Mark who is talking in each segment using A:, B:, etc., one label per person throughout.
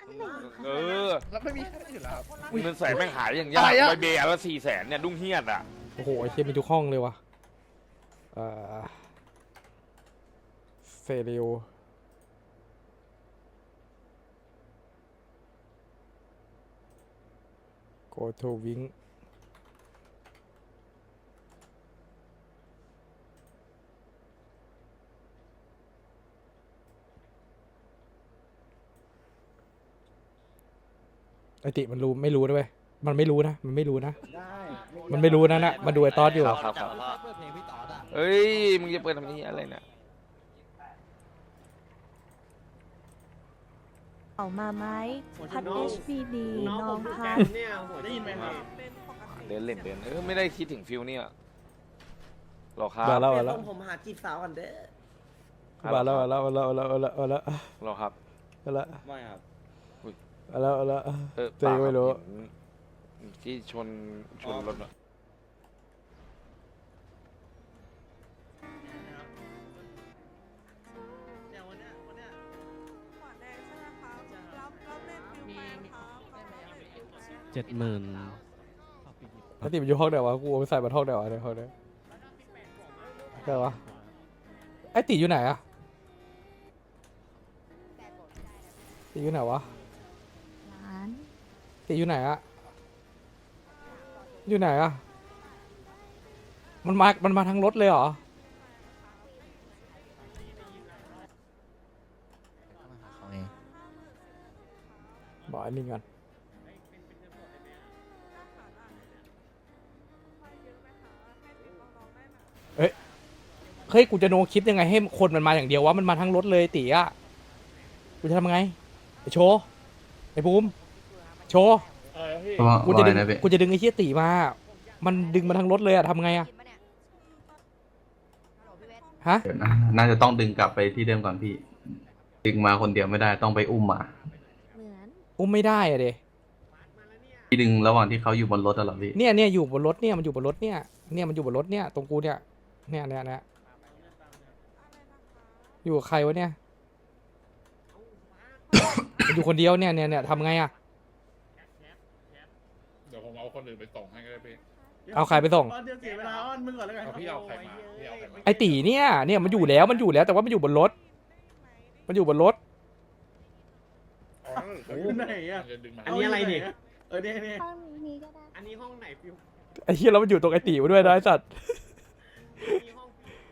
A: เออ
B: แล้วไม่มีใครอยู่แล้ว
A: เงินแสนแม่งหายอย่างยาก
B: อะไรอะ
A: ใบเบียร์ละ400,000เนี่ยดุ้งเฮียดอ่ะ
C: โอ้โหไอ้เชี่ยมีทุกห้องเลยวะเซเรียลโกโทวิงไอติมันรู้ไม่รู้ด้วยมันไม่รู้นะมันไม่รู้นะมันไม่รู้นะน่ะมาดูไอตอสอยู่
A: ครับเอ้ยมึงจะเปิดทำนี้อะไรเนี่ย
D: ออกมาไหมพัด HBD น้องพัด
B: เนี่ยได้ยินไหมครับ
A: เดินเล่นเดินไม่ได้คิดถึงฟิลเนี่ยหรอครับ
C: มาแล้วมาแล้ว
E: ผมหาจีบสาวกันเด้อ
C: มาแล้วมาแล้วมาแล้วมาแล้วมาแล้วมาแล้ว
A: หรอครับ
C: มาแล้ว
B: ไม่ครับ
C: มาแล้วมาแล้ว
A: เปล่า
C: ไม่รู้
A: เห็นที่ชนรถอะ
F: 70,000
C: ไอติมันอยู่ห้องไหนวะกูเอาไปใส่มาห้องไหนวะในห้องนี้ไหนวะไอติอยู่ไหนอะติอยู่ไหนวะ
D: ร้าน
C: ติอยู่ไหนอะอยู่ไหนอะมันมาทางรถเลยเหรอบอกอันนี้ก่อนเฮ้ยกูจะโนคลิปยังไงให้คนมันมาอย่างเดียววะมันมาทั้งรถเลยติอะกูจะทำไงไอโชว์ไอภูมิโชว์กูจะดึงไอเชี่ยติมา มันดึงมาทั้งรถเลยอะทำไงอะฮะ
G: เดี๋ยวนะน่าจะต้องดึงกลับไปที่เดิมก่อนพี่ ดึงมาคนเดียวไม่ได้ต้องไปอุ้มมา
D: เหมือน
C: อุ้มไม่ได้อะเด
G: พี่ดึงระหว่างที่เขาอยู่บนรถอะเหรอพี่
C: เนี่ยอยู่บนรถเนี่ยมันอยู่บนรถเนี่ยมันอยู่บนรถเนี่ยตรงกูเนี่ยอยู่กับใครวะเนี่ย มันอยู่คนเดียวเนี่ยทำไงอะ
H: เดี๋ยวผมเอาคนอื่นไปส่งให้ก็ได้พี่
C: เอาใครไปส่ง
B: เดี๋ยวเสียเวลาอ้อนมึงก่อนแล้วกัน
H: เอาพี่เอาใครมาพี่เอาใครมา
C: ไอตีเนี่ยมันอยู่แล้วแต่ว่ามันอยู่บนรถ มันอยู่บนรถ
B: อยู่ไหนอ่ะ
H: มันจะดึงมา
B: อันนี้อะไรเนี่ยเนี่ย
D: ห้องนี้ก็ได้
B: อันนี้ห้องไหนฟิว
C: ไอ้เหี้ยแล้วมันอยู่ตรงไอตีมาด้วยนะไอ้สัตว์
B: มีห้อง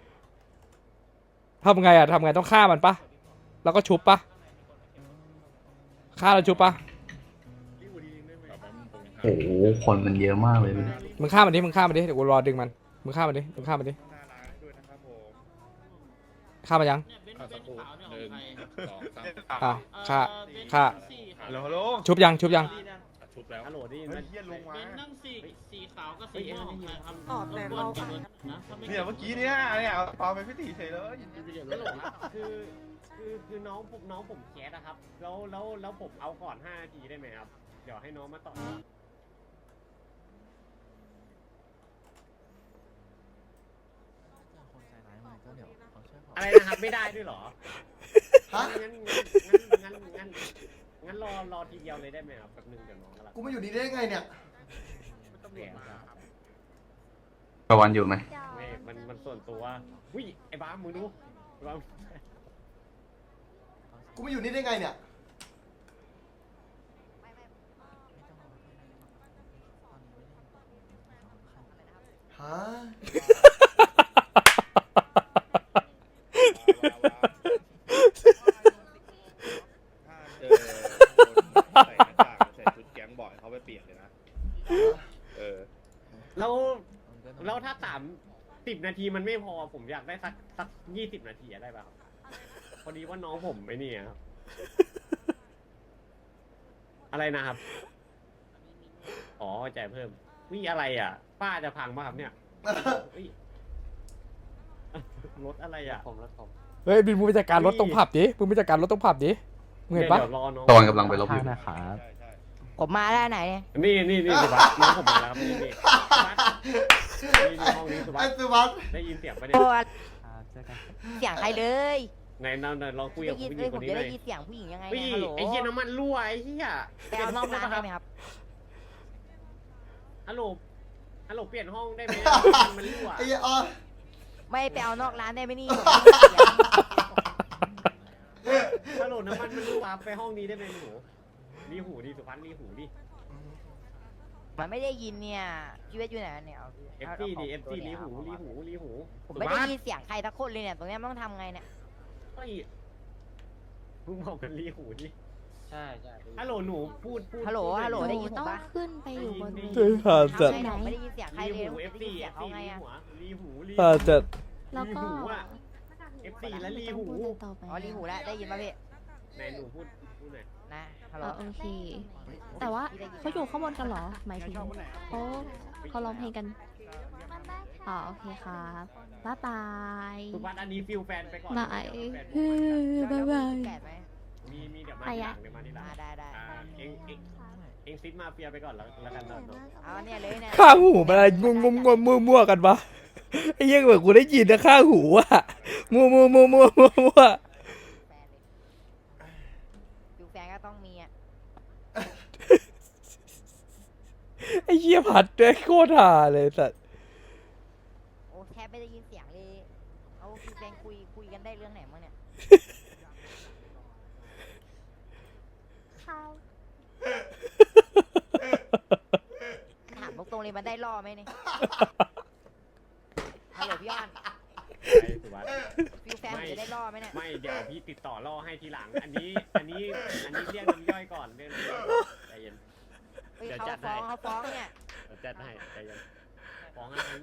C: ทำไงต้องฆ่ามันปะแล้วก็ชุบปะฆ่าแล้วชุบปะ
B: รีบดีได้ไหม
H: แบบว่ามันผมยังหา
G: โอ้โหคนมันเยอะมากเลยพี่
C: มึงฆ่ามันดิเดี๋ยวกูรอดึงมันมึงฆ่ามันดิ
B: หน้าร้านด้วยนะครับผม
C: ฆ่ามันยัง
H: สักครู่1 2 3
C: อ่ะฆ่า
B: ฮัลโหล
C: ชุบยัง
H: ชุบแล้ว
B: ฮัลโหลได้ยินไหมเฮียลงมา
I: เป็นนั่งสีขาวกับสีม่วงของใครครับ
D: ออกแต่เรา
I: นะถ้าไม่
B: เนี่ยเมื่อกี้เนี่ยเอาปาไปพิธีเฉยเลย
E: ฮัลโหลคือน้องผมแคสอะครับ แล้วผมเอาก่อน5 นาทีได้ไหมครับ เดี๋ยวให้น้องมาต่อ อะไรนะครับไม่ได้ด้วยเหรองั้นรอทีเดียวเลยได้ไหมครับแป๊บนึงเดี๋ยวน้องกำลัง
J: กูมาอยู่นี่ได้ไงเนี่ย
E: แย่ครับ
G: ประวันอยู่ไหม
E: ไม่มันส่วนตัววิไอ้บ้ามึงดูไอ้บ้า
J: กูมาอยู่นี่ได้ไงเนี่ย ฮะ
B: ถ้าเจอคนใส่หน้ากากใส่ชุดแก๊งบ่อยเขาไปเปลี่ยนเลยนะ
E: แล้วถ้า10 นาทีมันไม่พอผมอยากได้สัก20 นาทีได้ป่ะครับพอดีว่าน้องผมไอ้นี่ครับอะไรนะครับอ๋อจ่ายเพิ่มวิอะไรอ่ะ ป้าจะพังป่ะครับเนี่ยรถอะไรอ่ะรถผม
C: เฮ้ยบินมึงไปจัดการรถตรงผับดิมึงเห็นปะ
E: เดี๋ยวรอน้อง
G: ตะวันกำลังไปลบอยู่
F: นะครับ
D: ผมมาได้ไหน
E: นี่สุบัสน้องผมมาแล้วครับนี่สุบัสนี่ห้องนี้สุบั
J: ไอ้
E: ส
J: สุวัสดิ์
E: ได้ยินเสียงปะเนี่ย
D: โอ้
F: เจอกัน
D: เสียงใครเลย
E: ไหนลองคุยกับ
F: ได้ยิน
E: ผู้ห
F: เล
E: ญิ
F: ย
E: ง
F: ผ
E: คน
F: ม
E: นี้
F: จะ
E: หน่
F: ได้
E: อย
F: ยินเสียงผู้หญิงยังไง
E: พี่
F: เนี่ยฮัลโหล
E: ไอ้เหี้ยน้ำมันรั่วไอ้เหี้ย
F: ไปเอานอกร้านได้ไหมครับ
E: ฮัลโหลเปลี่ยนห้องได้ไหมมันรั่ว
J: ไอ้เหี้ยอ๋อ
F: ไม่ไปเอานอกร้านได้ไหมนี่
E: ฮัลโหลน้ำมันมันรั่วไปห้องนี้ได้ไหมหนูรีหูดิสุพัฒน์รีหูดิ
F: มันไม่ได้ยินเนี่ยชีวิตอยู่ไหนเนี่ย
E: FT ดิ FT รีหู
F: ผมไม่ได้ยินเสียงใครทักคนเลยเนี่ยตรงเนี้ยมันต้องทำไงเนี่ย
E: เฮ้ยมึงบอกกันรีหูดิ
I: ใช่
E: ฮัลโหลหนูพูด
F: ฮัลโหลได้ยินผม
D: ต้อง
F: ปะ
D: ขึ้นไปอยู่บนเว
C: เฮ้ย
D: ที
C: ผ่านจัด
F: ใช่ผมไม่ได้ยินเสียงใคร
E: รี
F: เลย
E: หู
F: ผม
E: FT
F: ได้ยินเสียงเขาไงอะ
E: รีหู
C: ผ่านจัด
D: แล้วก็
E: FT และรีหู
D: ไม่ต้องพูดต่อไป
F: อ๋อรีหูแล้วได้ยินปะพี่
E: ไหนหนูพูดหน่อย
F: นะฮัลโหล
D: โอเค แต่ว่าเขาอยู่ข้างบนกันเหรอ หมายถึงเขาร้องเพลงกัน อ๋อโอเคครับบ๊ายบาย
E: สุพัฒน์อันนี้ฟิลแฟนไปก่อน
D: บาย
E: แฟน
D: บ๊ายบาย
F: แปดไหม
E: มีเดี๋ยวมา
D: ไป
E: ทีห
D: อะ
E: ลังเดี๋ยวมาทีหลัง
F: ได้
E: เองซิดมาเฟียไปก่อนแล้วกันเนาะ
F: เอาเนี่ยเลยเนี่ย
C: ข้างหูมันอะไรงงมั่วกันปะไอ้เหี้ยเหมือนกูได้ยินนะข้างหูอะมั่ว
F: แฟนเลยดูแฟนก็ต้องมีอ่ะ
C: ไอ้เหี้ยผัดด้วยโคตรห่าเลยสัตว์
F: โอ้แทบไม่ได้ยินเสียงเลยเอาคือแฟนคุยกันได้เรื่องไหนมั้งเนี่ยถามตรงๆเลยมันได้ล่อไหมเนี่ยฮัลโหลพี่อ้อน
E: ไอ้สุวัสดิ์
F: ฟิวแฟนผมจะได้ล่อไหมเนี่ย
E: ไม่เดี๋ยวพี่ติดต่อล่อให้ทีหลัง อันนี้เรียกน้ำย่อยก่อนเรื่องน้ำย่อยใจเย็น
F: เฮ้ย
E: เดี๋ยว
F: เขา
E: จัดให้
F: ฟ้องเนี่ย
E: เดี๋ยวจัดให้ใจเย็นฟ้องอะไร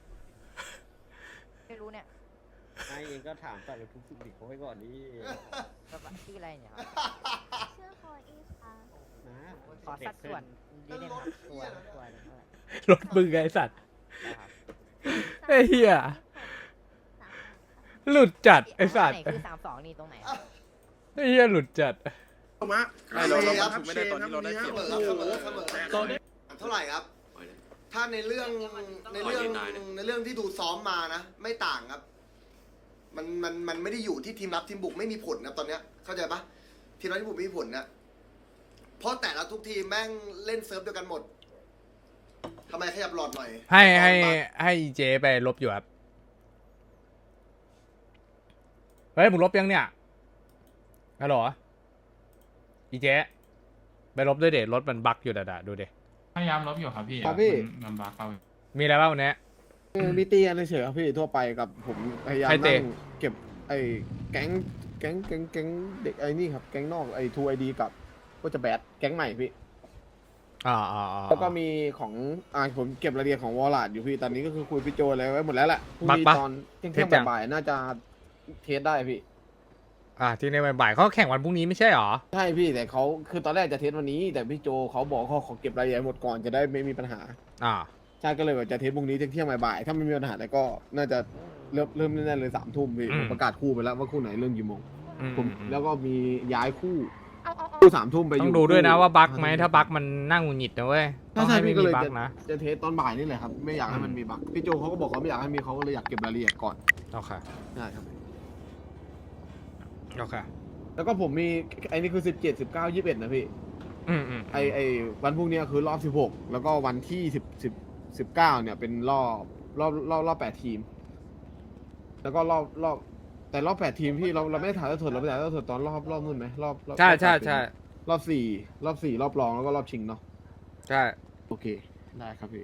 F: ไม่รู้เนี่ย
E: ไอ้เองก็ถามแต่ละทุกสิ่งดิเขาไว้ก่อนนี่
F: ชื่ออะไรเนี่ยครับ
D: ชื่อโคอีค่ะ
E: นะ
F: ขอสัดส่วนนิดนึงครับตัวหนึ่งเท่าไหร่
C: รถมึงไงไอ้สัตว์
F: นะครับ
C: ไอ้เหี้ยหลุดจัดไอ้สัต
F: ไหน
C: ว์
F: คือ32นี่ตรงไหนครับ
C: ไอ้เหี้ยหลุดจัด
J: ไม่เราถูกไม่ได้ตอนที่เราได้เสมอเท่าไหร่ครับ ถ้าในเรื่องที่ดูซ้อมมานะ ไม่ต่างครับ มันไม่ได้อยู่ที่ทีมรับทีมบุกไม่มีผลนะตอนเนี้ยเข้าใจปะทีมรับทีมบุกไม่มีผลนะเพราะแต่ละทุกทีมแม่งเล่นเซิร์ฟเดียวกันหมดทำไมขยับหลอดหน่อย
C: ให้เจไปลบอยู่ครับเฮ้ยมึงลบยังเนี่ยฮัลโหลอีเจไปลบด้วยเด็รถมันบั๊กอยู่ด่าดูเด็
K: พยายามลบอยู่ครับพี่
B: ครับพี่
K: มันบักเอา
C: มีอะไรบ้างวันนี้
B: มีตีกันเฉยๆครับพี่ทั่วไปกับผมพยายาม
C: ใครเตะ
B: นั่งเก็บไอ้แก๊งเด็กไอ้นี่ครับแก๊งนอกไอ้ทูไอดีกับก็จะแบดแก๊งใหม่พี่ แล้วก็มีของผมเก็บรายละเอียดของวอลลัดอยู่พี่ตอนนี้ก็คือคุยพี่โจอะไรไว้หมดแล้วแหละพรุ่งนี้ตอนเที่ยงบ่ายๆน่าจะเทสได้พี่
C: ที่ในบ่ายๆเขาแข่งวันพรุ่งนี้ไม่ใช่หรอ
B: ใช่พี่แต่เขาคือตอนแรกจะเทสวันนี้ แต่พี่โจเขาบอกเขาขอเก็บรายละเอียดหมดก่อนจะได้ไม่มีปัญหาใช่ก็เลยแบบจะเทสพรุ่งนี้เที่ยงบ่ายๆถ้าไม่มีปัญหาแต่ก็น่าจะเริ่มแน่ๆเลย3 ทุ่มพี่ผมประกาศคู่ไปแล้วว่าคู่ไหนเริ่มกี่โมงผมแล้วก็มีย้ายคู่3 ทุ่มไปอยู่
C: ต้องดูด้วยนะว่าบั๊กไหมถ้าบั๊กมันนั่งหงุดหงิดนะเว้ยต้อง
B: ใช่
C: ให้ไม่
B: พี่ก็
C: มี
B: เลย
C: บั๊กนะ
B: จะเทสตอนบ่ายนี่แหละครับไม่อยากให้มันมีบั๊กพี่โจเขาก็บอกเขาไม่อยากให้มีเขาก็เลยอยากเก็บรายละเอียดก่อน
C: โอเค
B: ใช่ครับ
C: โอเค
B: แล้วก็ผมมีไอ้นี่คือ17 19 21นะพี่ไอวันพรุ่งนี้คือรอบ16แล้วก็วันที่19เนี่ยเป็นรอบ8 ทีมแล้วก็แต่รอบ8 ทีมพี่เราไม่ได้ถ่ายทอดสดเราไปถ่ายทอดสดตอนรอบนู่นไหมรอบ
C: ใช่
B: รอบ4รอบรองแล้วก็รอบชิงเนาะ
C: ใช่
B: โอเคได้ครับพี่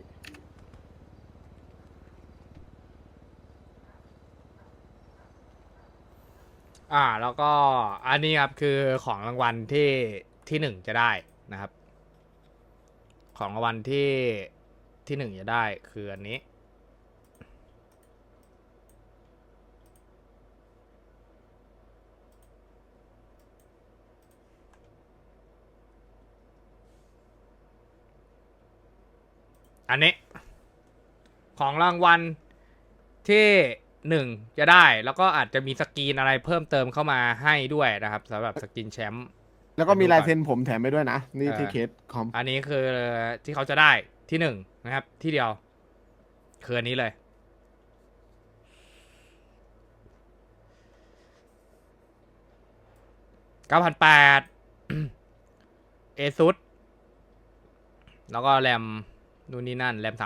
C: แล้วก็อันนี้ครับคือของรางวัลที่1จะได้นะครับ ของรางวัลที่1จะได้คืออันนี้ของรางวัลที่1จะได้แล้วก็อาจจะมีสกรีนอะไรเพิ่มเติมเข้ามาให้ด้วยนะครับสำหรับสกรีนแชมป์
B: แล้วก็มีลายเซ็นผมแถมไปด้วยนะนี่ที่เคสคอม
C: อันนี้คือที่เขาจะได้ที่1นะครับที่เดียวคืออันนี้เลยเอซุดแล้วก็แรมนู่นนี่นั่นแรม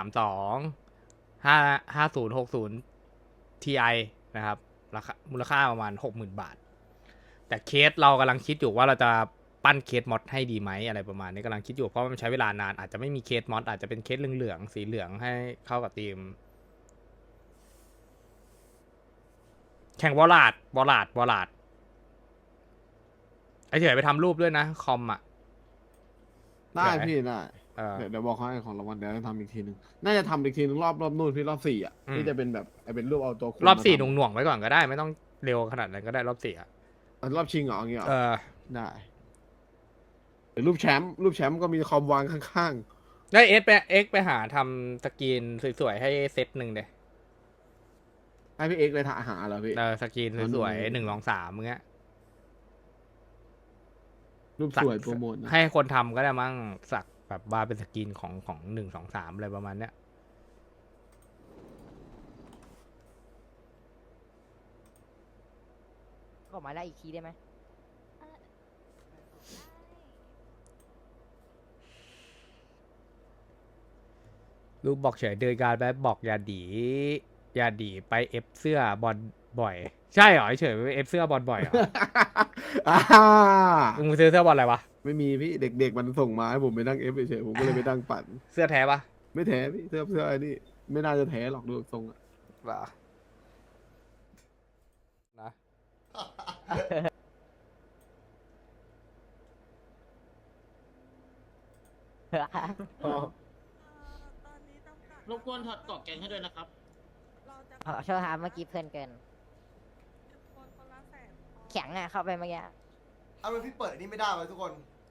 C: 5060 Ti นะครับราคามูลค่าประมาณ 60,000 บาท แต่เคสเรากำลังคิดอยู่ว่าเราจะปั้นเคสมอดให้ดีไหมอะไรประมาณนี้กำลังคิดอยู่เพราะมันใช้เวลานานอาจจะไม่มีเคสมอดอาจจะเป็นเคสเหลืองๆสีเหลืองให้เข้ากับทีมแข่งวอลลาดไอเฉยไปทำรูปด้วยนะคอมอ่ะ
B: ได้พี่ได้
C: เออ
B: เดี๋ยวบอกเขาให้ของรางวัลเดี๋ยวจะทำอีกทีนึงน่าจะทำอีกทีนึงรอบนู่นพี่รอบ4อ่ะ
C: อืม
B: ที่จะเป็นแบบเป็นรูปเอาตัวคุณ
C: รอบ4
B: มาทำ
C: หน่วงๆไว้ก่อนก็ได้ไม่ต้องเร็วขนาดนั้นก็ได้รอบ4อ่ะ
B: รอบชิงเหรออย่างเงี้ยเหรอ
C: เออ
B: ได้หรือรูปแชมป์ก็มีคอมวางข้าง
C: ได้เอ็กไปหาทำสกรีนสวยๆให้เซตหนึ่งเดย
B: ๆให้พี่เอ็กซ์เลยหาเหรอพี่
C: สกรีนสวยๆ1 2 3มึงเงี้ย
B: รูปสวยโปรโมทนะ
C: ให้คนทำก็ได้มั้งสักแบบว่าเป็นสกรีนของ1 2 3อะไรประมาณเนี้ย
F: ก็มาได้อีกทีได้ไหม
C: รูปบอกเฉยเดินการแบบบอกอย่าดีไปเอฟเสื้อบอลบ่อย ใช่เหรอเฉยไปเอฟเสื้อบอลบ่อยเหรอ
B: อ่า
C: มึงซื้อเสื้อบอลอะไรวะ
B: ไม่มีพี่เด็กๆมันส่งมาให้ผมไปนั่งเอฟเฉยๆผมก็เลยไปนั่งปั่น
C: เสื้อแท้ปะ
B: ไม่แท้พี่เสื้อไอ้นี่ไม่น่าจะแท้หรอกดูทรงอะ
C: วะนะ
I: รบกวนถอดเกาะแกงให้ด้วยนะครับ
F: โชว์หาเมื่อกี้เพื่อนเกิน แข็งอ่ะเข้าไปเมื่อกี้
J: เอาเป็นพี่เปิดอันนี้ไม่ได้เลยทุกคน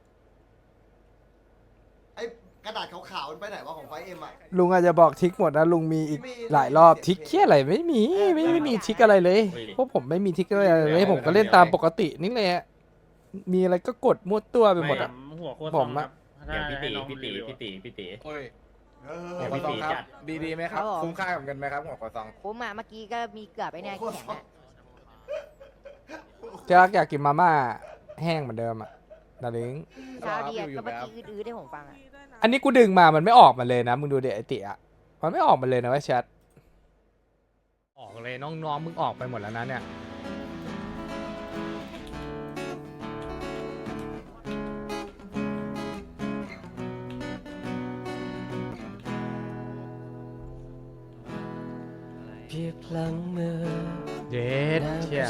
J: ไอ้กระดาษขาวๆมันไปไหนวะของไฟเอ็มอะ
C: ลุงอาจจะบอกทิกหมดนะลุงมีอีกหลายรอบทิกเคี้ยอะไรไม่มีไม่มีทิกอะไรเลยพวกผมไม่มีทิกอะไรเลยผมก็เล่นตามปกตินี่แหละมีอะไรก็กดมั่วตัวไปหมดอะ
I: หัวโคตร
C: ผมอะ
I: อย่างพี่ตี
J: เออ
I: พี่ตีจัด
F: ดีไหมครับคุ้มค่ากับเงินไหมครับหัวกระซองคุ้มอ่ะเมื่อกี้ก็มีเกือบไปเนี่ยแข็งอ่ะ
C: อยากกินมาม่าแห้งเหมือนเดิมอะดาริง
F: เช้าดีอ่ะก็เมื่อกี้อื้อๆได้ผมฟังอ่ะ
C: อันนี้กูดึงมามันไม่ออกมาเลยนะมึงดูเด็กไอติอะมันไม่ออกมาเลยนะว่าแชทออกเลยน้องๆมึงออกไปหมดแล้วนะเนี่ยเพียบพลังมือเย็ดเชี่ย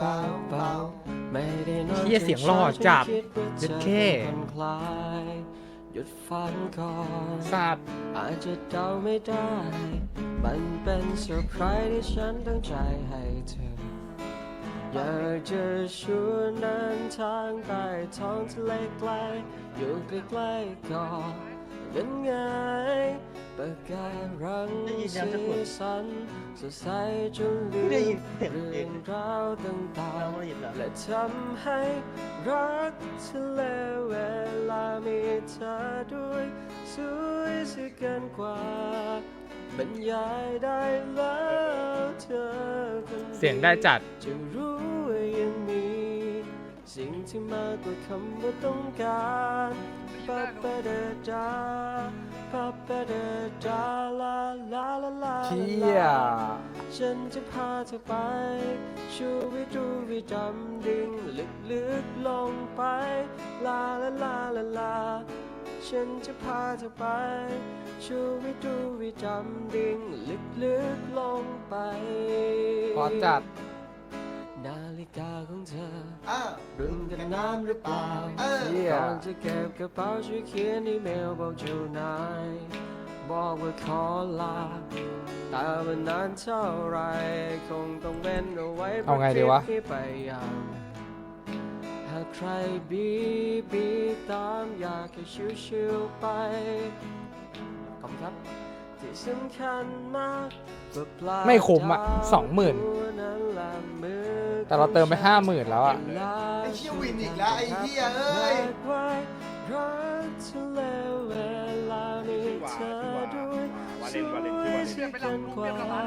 C: เชี่ยเสียงหล่อจัดเย็ดเข้หยุดฟังก่อนสัตว์อาจจะเดาไม่ได้มันเป็นเซอร์ไพรส์ที่ฉันตั้งใจให้เธออยากจะชวนเดินทางไปท้องทะเลไกลอยู่ใกล้ๆก่อนยังไงประกายรังสีสันสดใสจนลืมเรื่องราวต่างๆและทำให้รักทะเลเวลามีเธอด้วยสวยเสียเกินกว่าบรรยายได้แล้วเธอคนเสียงได้จัดจะรู้ว่ายังมีสิ่งที่มากกว่าคำว่าต้องการปะปะเดจาปะปะเดจาลาลาลาลาเชี่ยฉันจะพาเธอไปชูวิดูวิดำดิ่งลึกๆลงไปลาลาลาลาลาฉันจะพาเธอไปชูวิดูวิดำดิ่งลึกๆลงไปพอจัดนาฬิกาของเธอรุ่นกันน้ำหรือเปล่าก่อนจะเก็บกระเป๋าช่วยเขียนอีเมลบอกเจ้านายบอกว่าขอลาแต่ว่านานเท่าไรคงต้องเว้นเอาไว้เอาไงดีวะไปยังหากใครบีตามอยากให้ชิวๆไปขอบคุณครับที่สำคัญมากไม่คุ้มอ่ะ20,000แต่เราเติมไป50,000แล้วอ่ะ
J: ไอ้เชี่ยวินอีกแล้วไอ้เหี้ยเอ้ย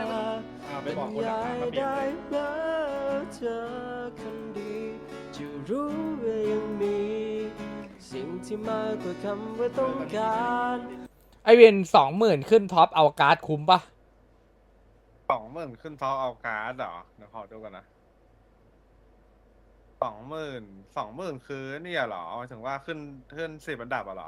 H: ไปบอกคนหลังมาเปลี่ยนเลย
C: เธอคนดีจะร
L: รู้ว่ายังมีสิ่งที่มากกว่าคำว่าต้องการ
C: ไอเวน20,000ขึ้นท็อปเอาการ์ดคุ้มปะ
B: 20,000ขึ้นท็อปเอาการ์ดเหรอเดี๋ยวขอดูกันนะ20,000คือเนี่ยเหรอหมายถึงว่าขึ้น10 อันดับอะเหรอ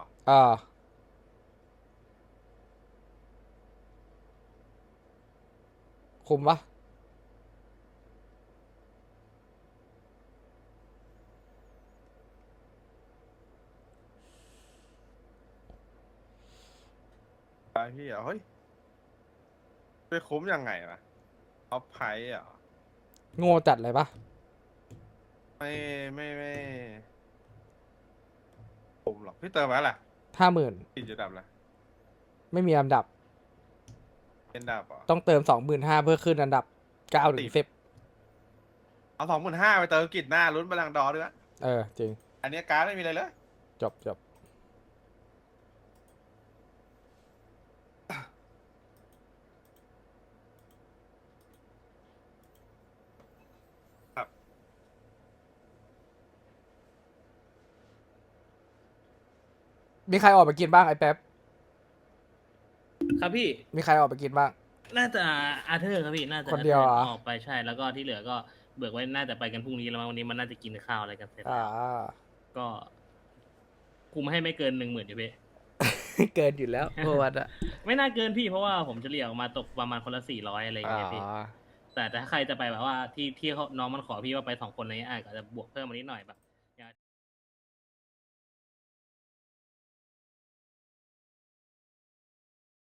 C: คุ้มปะ
B: ไปพี่เฮ้ยไปคุ้มยังไงนะท็อปไพรส์อ่ะ
C: โง่จัดเลยปะ
B: ไม่คุ้มหรอกพี่เติมไว้แหละ
C: 50,000
B: กี่จุดดับละ
C: ไม่มีอันดับ
B: เป็นดับอ่ะ
C: ต้องเติม 25,000เพื่อขึ้นอันดับ9 ถึง 10
B: เอา25,000ไปเติมกิจหน้าลุ้นบอลลังก์ดอร์ด้วย
C: จริง
B: อันนี้การ์ดไม่มีอะไรเลย
C: จบมีใครออกไปกินบ้างไอ้แป๊บ
I: ครับพี่
C: มีใครออกไปกินบ้าง
I: น่าจะอาเธอร์ครับพี่น่าจะ
C: คนเดียวเหรอ
I: ออกไปใช่แล้วก็ที่เหลือก็เบิกไว้น่าจะไปกันพรุ่งนี้แล้วมั้งวันนี้มันน่าจะกินข้าวอะไรกันเสร็จก็คุมให้ไม่เกิน 10,000อยู่พี่
C: เกินอยู่แล้วเมื่อวันอะ
I: ไม่น่าเกินพี่เพราะว่าผมจะเรียกออกมาตกประมาณคนละ400อะไรอย่างเงี้ยพี่แต่ถ้าใครจะไปแบบว่าที่เขาน้องมันขอพี่ว่าไป2 คนอะไรเงี้ยอาจจะบวกเพิ่มมานิดหน่อยแบบ